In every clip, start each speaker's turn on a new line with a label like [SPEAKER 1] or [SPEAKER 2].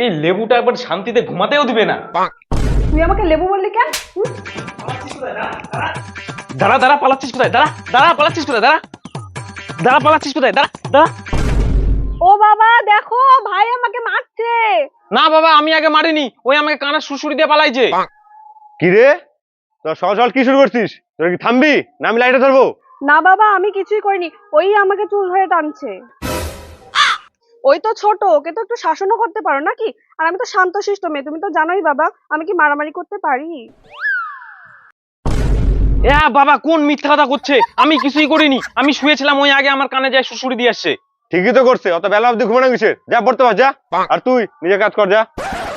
[SPEAKER 1] লেবুটা একবার শান্তিতে ঘুমাতেও দিবে না।
[SPEAKER 2] তুই আমাকে লেবু বললি কেন?
[SPEAKER 1] দাঁড়া দাঁড়া, পালাচ্ছিস কোথায়? দাঁড়া দাঁড়া, পালাচ্ছিস কোথায়? দাঁড়া দাঁড়া, পালাচ্ছিস কোথায়? দাঁড়া দাঁড়া।
[SPEAKER 2] ও বাবা দেখো, ভাই আমাকে মারছে।
[SPEAKER 1] না বাবা, আমি আগে মারিনি, ওই আমাকে কানা সুড়সুড়ি দিয়ে পালাইছে।
[SPEAKER 3] কি রে, তোর সকাল সকাল কি শুরু করছিস? তোর কি থামবি না আমি লাইটে ধরবো?
[SPEAKER 2] না বাবা, আমি কিছুই করিনি, ওই আমাকে চুল ধরে টানছে। ওই তো ছোট, ওকে তো একটু শাসনও করতে পারো নাকি? আর আমি তো শান্তশিষ্ট মেয়ে, তুমি তো জানোই বাবা, আমি কি মারামারি করতে পারি?
[SPEAKER 1] বাবা কোন মিথ্যা কথা করছে? আমি কিছুই করিনি, আমি শুয়েছিলাম, ওই আগে আমার কানে যায় সুড়সুড়ি দিয়ে আসছে।
[SPEAKER 3] ঠিকই তো করছে, অত বেলা অব্দি ঘুমানো কিসের? যা পড়তে পার যা। আর তুই নিজের কাজ কর যা।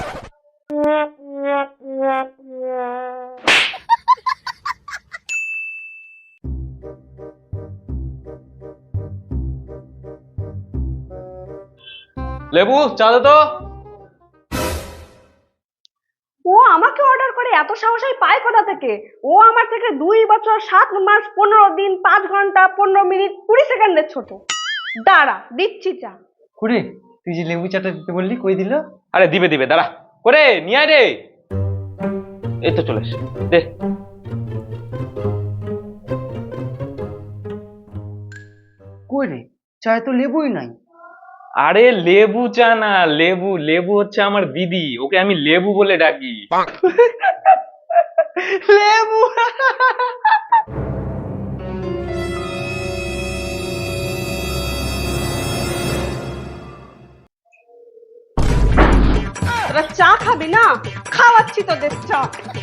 [SPEAKER 1] লেবু চা দে তো।
[SPEAKER 2] ও আমাকে অর্ডার করে, এত সাহসই পায় কোথা থেকে? ও আমার থেকে 2 বছর 7 মাস 15 দিন 5 ঘন্টা 15 মিনিট 20 সেকেন্ডের ছোট। দাঁড়া দিচ্ছি চা।
[SPEAKER 4] কুড়ে, তুই যে লেবু চাটা দিতে বললি, কই দিল?
[SPEAKER 1] আরে দিবে দিবে, দাঁড়া করে নিয়ে আয় রে। এই তো চলে এসে দে।
[SPEAKER 4] কই রে, চায়ে তো লেবুই নাই।
[SPEAKER 1] আরে লেবু চা না, লেবু লেবু হচ্ছে আমার দিদি, ওকে আমি লেবু বলে ডাকি।
[SPEAKER 2] লেবু। তোরা চা খাবি না? খাওয়াচ্ছি তোদের চা।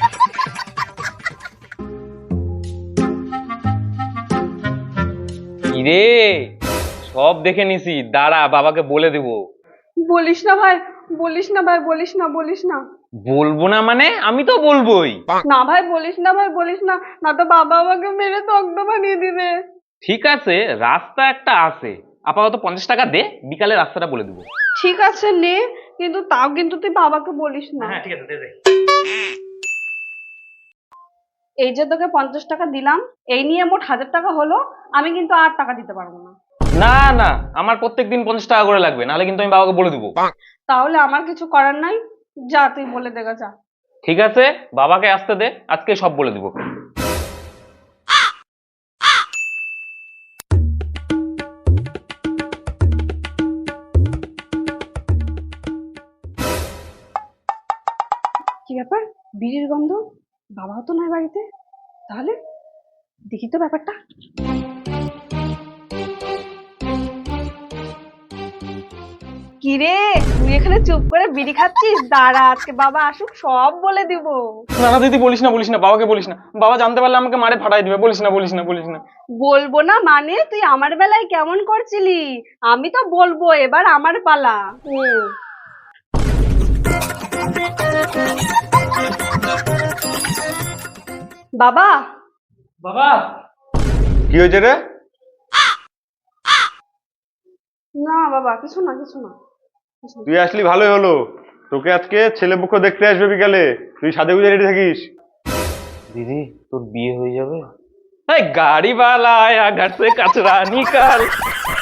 [SPEAKER 1] ইরে সব দেখে নিছি, দাঁড়া বাবাকে বলে দেবো।
[SPEAKER 2] বলিস না ভাই, বলিস না ভাই, বলিস না, বলিস না।
[SPEAKER 1] বলবো না মানে? আমি তো বলবোই।
[SPEAKER 2] না ভাই বলিস না, ভাই বলিস না, না তো বাবা আমাকে মেরে তক্ত বানিয়ে দিবে।
[SPEAKER 1] ঠিক আছে, রাস্তা একটা আছে, আপাতত 50 টাকা দে, বিকালে রাস্তাটা বলে দেবো।
[SPEAKER 2] ঠিক আছে নে, কিন্তু তাও কিন্তু তুই বাবাকে বলিস না।
[SPEAKER 1] হ্যাঁ ঠিক আছে, দে দে।
[SPEAKER 2] এই যে তোকে 50 টাকা দিলাম, এই নিয়ে মোট 1000 টাকা হলো। আমি কিন্তু আর টাকা দিতে পারবো না।
[SPEAKER 1] না না, আমার প্রত্যেকদিন 50 টাকা করে লাগবে, নাহলে কিন্তু আমি বাবাকে বলে দেবো।
[SPEAKER 2] তাহলে আমার কিছু করার নাই, যা তুই বলে দেখা যা।
[SPEAKER 1] ঠিক আছে, বাবাকে আসতে দে, আজকে সব বলে দেবো।
[SPEAKER 2] কি ব্যাপার, বিড়ির গন্ধ? বাবাও তো নয় বাড়িতে, তাহলে দেখি তো ব্যাপারটা। কি রে, তুই এখানে চুপ করে বিড়ি খাচ্ছিস? দাঁড়া, আজকে বাবা আসুক সব বলে দিব।
[SPEAKER 1] না না দিদি, বলিস না বলিস না, বাবাকে বলিস না, বাবা জানতে পারলে আমাকে মারে ফাটাই দিবে। বলিস না বলিস না বলিস না।
[SPEAKER 2] বলবো না মানে? তুই আমার বেলায় কেমন করছিলি? আমি তো বলবো, এবার আমার পালা। বাবা।
[SPEAKER 1] বাবা
[SPEAKER 3] কি হয়েছে রে?
[SPEAKER 2] না বাবা, কিছু না, কিছু না।
[SPEAKER 3] তুই আসলি ভালোই হলো, তোকে আজকে ছেলে পক্ষ দেখতে আসবে বিকালে, তুই সাথে গুজে রেডি থাকিস।
[SPEAKER 1] দিদি তোর বিয়ে হয়ে যাবে? এই গাড়ি वाला आया घर से कचरा निकाल।